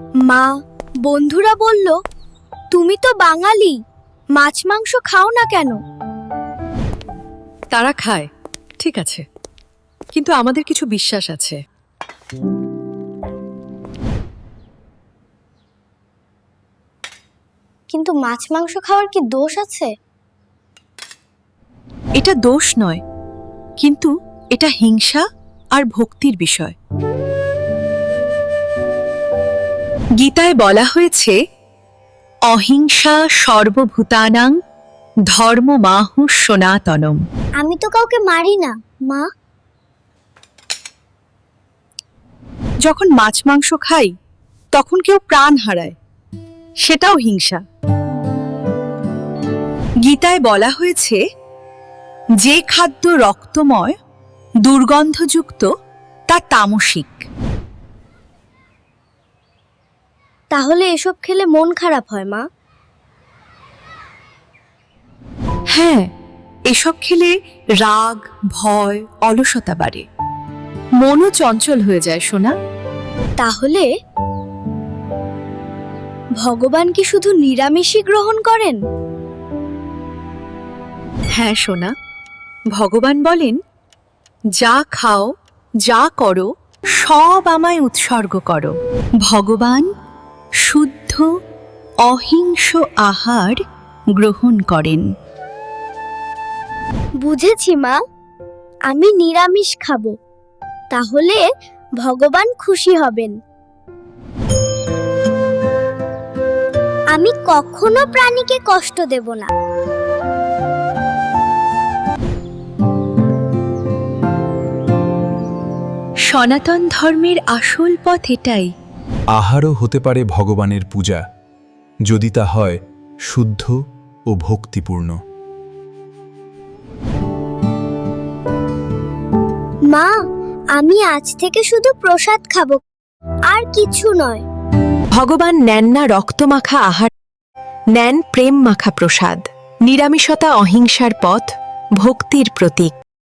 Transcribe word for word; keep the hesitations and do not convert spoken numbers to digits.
মা, বন্ধুরা বলল তুমি তো বাঙালি, মাছ মাংস খাও না কেন? তারা খায়, ঠিক আছে, কিন্তু আমাদের কিছু বিশ্বাস আছে। কিন্তু মাছ মাংস খাওয়ার কি দোষ আছে? এটা দোষ নয়, কিন্তু এটা হিংসা আর ভক্তির বিষয়। গীতায় বলা হয়েছে, অহিংসা সর্বভূতানাং ধর্মমাহু সনাতনম। আমি তো কাউকে মারি না মা। যখন মাছ মাংস খাই তখন কেউ প্রাণ হারায়, সেটাও হিংসা। গীতায় বলা হয়েছে, যে খাদ্য রক্তময় দুর্গন্ধযুক্ত তা তামসিক। তাহলে এসব খেলে মন খারাপ হয় মা? হ্যাঁ, এসব খেলে রাগ, ভয়, অলসতা বাড়ে, মনও চঞ্চল হয়ে যায় সোনা। তাহলে ভগবান কি শুধু নিরামিষই গ্রহণ করেন? হ্যাঁ সোনা, ভগবান বলেন, যা খাও, যা করো, সব আমায় উৎসর্গ করো। ভগবান শুদ্ধ অহিংস আহার গ্রহণ করেন। বুঝেছি মা, আমি নিরামিষ খাবো, তাহলে ভগবান খুশি হবেন। আমি কখনো প্রাণীকে কষ্ট দেব না। সনাতন ধর্মের আসল পথ এটাই। আহারও হতে পারে ভগবানের পূজা, যদি তা হয় শুদ্ধ ও ভক্তিপূর্ণ। মা, আমি আজ থেকে শুধু প্রসাদ খাবো, আর কিছু নয়। ভগবান নেন না রক্তমাখা আহার, নেন প্রেম মাখা প্রসাদ। নিরামিষতা অহিংসার পথ, ভক্তির প্রতীক।